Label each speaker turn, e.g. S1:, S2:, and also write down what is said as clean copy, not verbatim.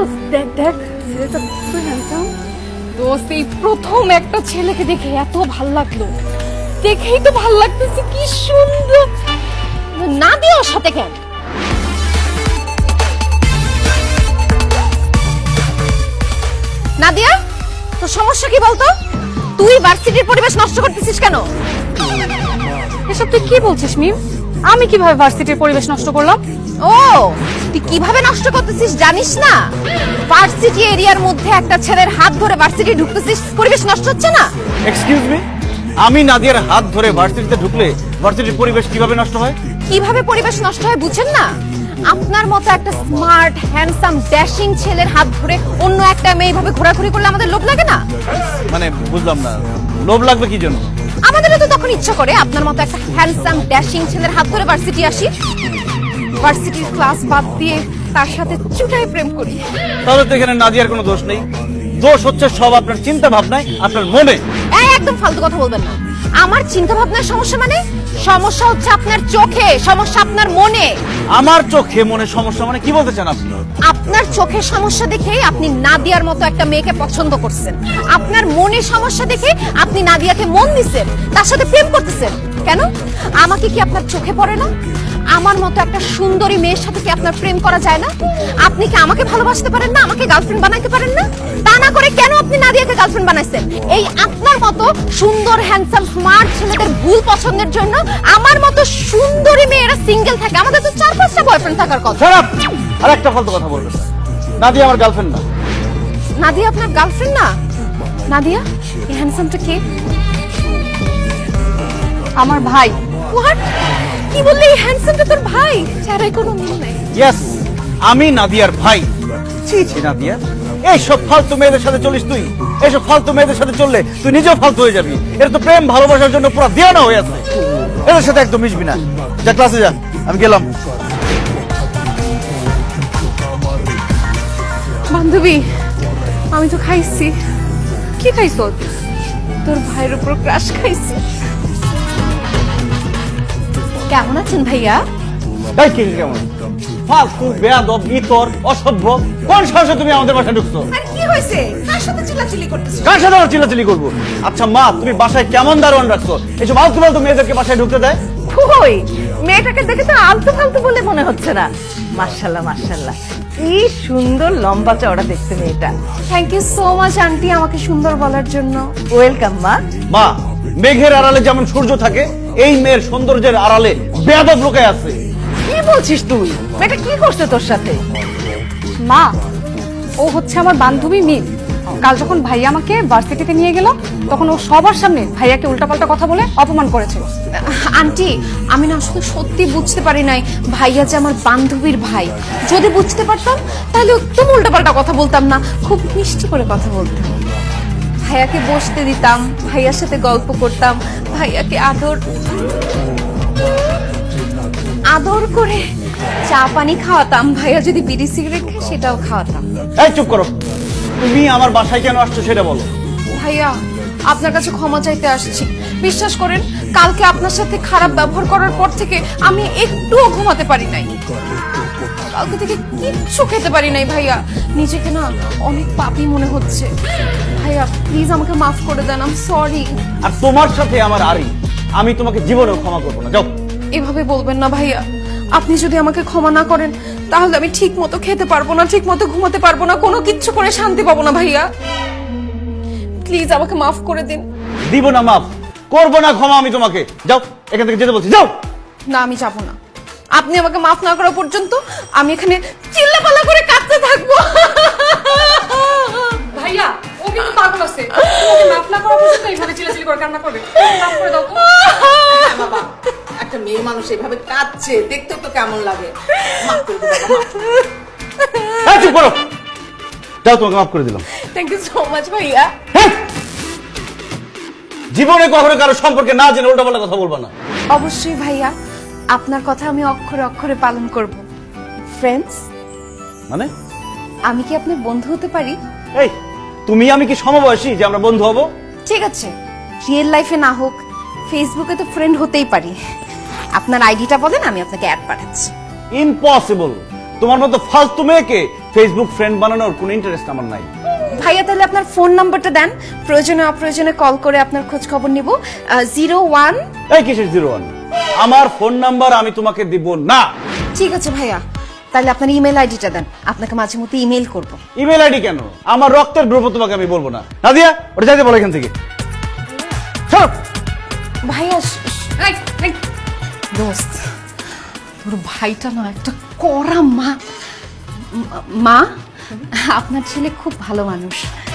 S1: দেখ দেখ ছেলেটা কত হ্যান্ডসাম। দোস্ত এই প্রথম একটা ছেলেকে দেখে এত ভাল লাগলো, দেখেই তো ভাল লাগতেছে, কি সুন্দর। না দিয়ে ওর সাথে কেন? নাদিয়া, তোর সমস্যা কি বলতো? তুই ভার্সিটির পরিবেশ নষ্ট করতেছিস কেন? এসব তুই কি বলছিস মিম? আমি কিভাবে ভার্সিটির পরিবেশ নষ্ট করলাম? ও, তুই কিভাবে নষ্ট করতেছিস জানিস না? ভার্সিটি এরিয়ার মধ্যে একটা ছেলের হাত ধরে ভার্সিটি ঢুকতেছিস, পরিবেশ নষ্ট হচ্ছে না?
S2: এক্সকিউজ মি, আমি নাদিয়ার হাত ধরে ভার্সিটিতে ঢুকলে ভার্সিটির পরিবেশ কিভাবে নষ্ট হয়?
S1: কিভাবে পরিবেশ নষ্ট হয় বুঝছেন না? আপনার মতো একটা স্মার্ট হ্যান্ডসাম ড্যাশিং ছেলের হাত ধরে অন্য একটা মেয়ে এইভাবে ঘোরাঘুরি করলে আমাদের লোভ লাগে না?
S2: মানে বুঝলাম না, লোভ লাগবে কি জন্য?
S1: আমাদেরও তো তখন ইচ্ছা করে আপনার মতো একটা হ্যান্ডসাম ড্যাশিং ছেলের হাত ধরে ভার্সিটি আসি, ভার্সিটির ক্লাস বাদ দিয়ে তার সাথে চুটাই প্রেম করি।
S2: তাহলে তো এখানে নাদিয়ার কোনো দোষ নেই, দোষ হচ্ছে সব আপনার চিন্তা ভাবনায়, আপনার মনে।
S1: একদম ফালতু কথা বলবেন না। আমার চিন্তা ভাবনার সমস্যা মানে? সমস্যা হচ্ছে আপনার চোখে, সমস্যা আপনার মনে।
S2: আমার চোখে মনে সমস্যা মানে কি বলতে চান আপনি?
S1: আপনার চোখের সমস্যা দেখেই আপনি নাদিয়ার মতো একটা মেয়েকে পছন্দ করছেন। আপনার মনে সমস্যা দেখে আপনি নাদিয়াকে মন দিছেন, তার সাথে প্রেম করতেছেন। কেন? আমাকে কি আপনার চোখে পড়ে না? আমার মতো একটা সুন্দরী মেয়ের সাথে কি আপনার প্রেম করা যায় না? আপনি কি আমাকে ভালোবাসতে পারেন না? আমাকে গার্লফ্রেন্ড বানাইতে পারেন না? তা না করে কেন আপনি নাদিয়াকে গার্লফ্রেন্ড বানাইছেন? এই আপনার মতো সুন্দর হ্যান্ডসাম স্মার্ট ছেলেদের ভুল পছন্দের জন্য আমার মতো সুন্দরী মেয়েরা সিঙ্গেল থাকে। আমাদের তো 4-5টা বয়ফ্রেন্ড থাকার কথা।
S2: খারাপ আর একটা ফালতু কথা বলবেন না। নাদিয়া আমার গার্লফ্রেন্ড না।
S1: নাদিয়া আপনার গার্লফ্রেন্ড না? নাদিয়া, এই হ্যান্ডসামটা কে? আমার ভাই। হোয়াট? কি বললি? এই হ্যান্ডসামটা তোর ভাই? চেহারায় কোনো মিল নাই।
S2: ইয়েস, আমি নাদিয়ার ভাই। ছি ছি নাদিয়া, এইসব ফালতু মেয়েদের সাথে চলিস তুই? এইসব ফালতু মেয়েদের সাথে চললে তুই নিজেও ফালতু হয়ে যাবি। এটা তো প্রেম ভালোবাসার জন্য পুরো দেওয়ানা হয়ে আছে। এদের সাথে একদম মিশবি না। যা ক্লাসে যা, আমি গেলাম।
S1: বান্ধবী, আমি তো খাইছি। কি খাইছ? তোর ভাইয়ের উপর ক্রাশ খাইছি। কেমন আছেন ভাইয়া?
S2: এই কি কেমন ফালতু বেয়াদব ইতর অসভ্য, কোন সাহসে তুমি আমাদের বাসায় ঢুকছো?
S1: আর কি হইছে? কার সাথে চিল্লাচিল্লি করতেছিস?
S2: কার সাথে আমার চিল্লাচিল্লি করবো? আচ্ছা মা, তুমি বাসায় কেমন দারোয়ান রাখছো? এইসব আলতু ফালতু মেয়েদেরকে বাসায় ঢুকতে দেয়?
S3: কই, মেয়েটাকে দেখে তো আলতু ফালতু বলে মনে হচ্ছে না। মাশাআল্লাহ মাশাআল্লাহ, কি সুন্দর লম্বা চওড়া দেখতে মেয়েটা।
S1: Thank you so much aunty আমাকে সুন্দর বলার জন্য।
S3: ওয়েলকাম মা।
S2: মা, মেঘের আড়ালে যেমন সূর্য থাকে, এই মেয়ের সৌন্দর্যের আড়ালে বেয়াদব লোকে আছে।
S3: কি বলছিস তুই? মেয়েটা কি করছে তোর সাথে?
S4: মা, ও হচ্ছে আমার বান্ধবী মিম। কাল যখন ভাইয়া আমাকে ভার্সিটিতে নিয়ে গেল, তখন ও সবার সামনে ভাইয়াকে উল্টাপাল্টা কথা বলে অপমান করেছে।
S1: আন্টি, আমি না আসলে সত্যি বুঝতে পারি নাই ভাইয়া যে আমার বান্ধবীর ভাই। যদি বুঝতে পারতাম তাহলে একদম উল্টাপাল্টা কথা বলতাম না, খুব মিষ্টি করে কথা বলতাম। ভাইয়াকে বসতে দিতাম, ভাইয়ার সাথে গল্প করতাম, ভাইয়াকে আদর আদর করে চা পানি খাওয়াতাম। ভাইয়া যদি বিড়ি সিগারেট খায় সেটাও খাওয়াতাম।
S2: এই চুপ করো, তুমি আমার বাসায় কেন আসছো সেটা বলো।
S1: ভাইয়া, আপনার কাছে ক্ষমা চাইতে আসছি। বিশ্বাস করেন, কালকে আপনার সাথে খারাপ ব্যবহার করার পর থেকে আমি একটুও ঘুমাতে পারি নাই। কালকে থেকে কিচ্ছু খেতে পারি নাই ভাইয়া। নিজেকে না অনেক পাপী মনে হচ্ছে। ভাইয়া প্লিজ আমাকে মাফ করে দেন, আই এম সরি।
S2: আর তোমার সাথে আমার আরি, আমি তোমাকে জীবনেও ক্ষমা করবো না। যাও।
S1: এভাবে বলবেন না ভাইয়া। আপনি যদি আমাকে ক্ষমা না করেন তাহলে আমি ঠিক মতো খেতে পারবো না, ঠিক মতো ঘুমাতে পারবো না, কোনো কিচ্ছু করে শান্তি পাবো না ভাইয়া। প্লিজ আমাকে মাফ করে দিন।
S2: দিব না মাফ, করবো না ক্ষমা আমি তোমাকে। যাও, এখান থেকে যেতে বলছি, যাও।
S1: না, আমি যাবো না। আপনি আমাকে মাফ না করা পর্যন্ত আমি এখানে চিল্লাপাল্লা করে কাঁদতে থাকবো।
S4: ভাইয়া, ও কিন্তু পাগল আছে। ওকে মাফ না করা পর্যন্ত এইভাবে চিল্লাচিল্লি করে কান্না করবে। মাফ করে দাও তো।
S3: বাবা, একটা মেয়ে মানুষ এভাবে কাঁদছে দেখতে তো কেমন লাগে। মাফ করে দাও বাবা, মাফ।
S2: এই চুপ করো, যাও, তোমাকে মাফ করে দিলাম।
S1: থ্যাংক ইউ সো মাচ ভাইয়া।
S2: হ্যাঁ? জীবনে কখনো কারো সম্পর্কে না জেনে উল্টাপাল্টা কথা বলবা না।
S1: অবশ্যই ভাইয়া, আপনার কথা আমি অক্ষরে অক্ষরে পালন করব। ফ্রেন্ডস,
S2: মানে
S1: আমি কি আপনার বন্ধু হতে পারি?
S2: এই, তুমি আমি কি সমবয়সী যে আমরা বন্ধু হব?
S1: ঠিক আছে, রিয়েল লাইফে না হোক, ফেসবুকে তো ফ্রেন্ড হতেই পারি। আপনার আইডিটা বলেন, আমি আপনাকে অ্যাড পাঠাচ্ছি।
S2: ইম্পসিবল, তোমার মতো ফালতু মেয়েকে ফেসবুক ফ্রেন্ড বানানোর কোনো ইন্টারেস্ট আমার নাই।
S1: ভাইয়া তাহলে আপনার ফোন নাম্বারটা দেন, প্রয়োজনে অপ্রয়োজনে কল করে আপনার খোঁজ খবর নিব। 01।
S2: এই কিসের 01? আমার ফোন নাম্বার আমি তোমাকে দিব না।
S1: ঠিক আছে ভাইয়া, তাহলে আপনার ইমেল আইডিটা দেন, আপনাকে মাঝে মধ্যে ইমেল করব।
S2: ইমেল আইডি কেন? আমার রক্তের গ্রুপ তোমাকে আমি বলবো না। নাদিয়া, ওটা যাইতে বলো এখান থেকে। ছাড়ো।
S1: ভাইয়া দোস্ত, তোর ভাইটা না একটা কড়া মা। আপনার ছেলে খুব ভালো মানুষ।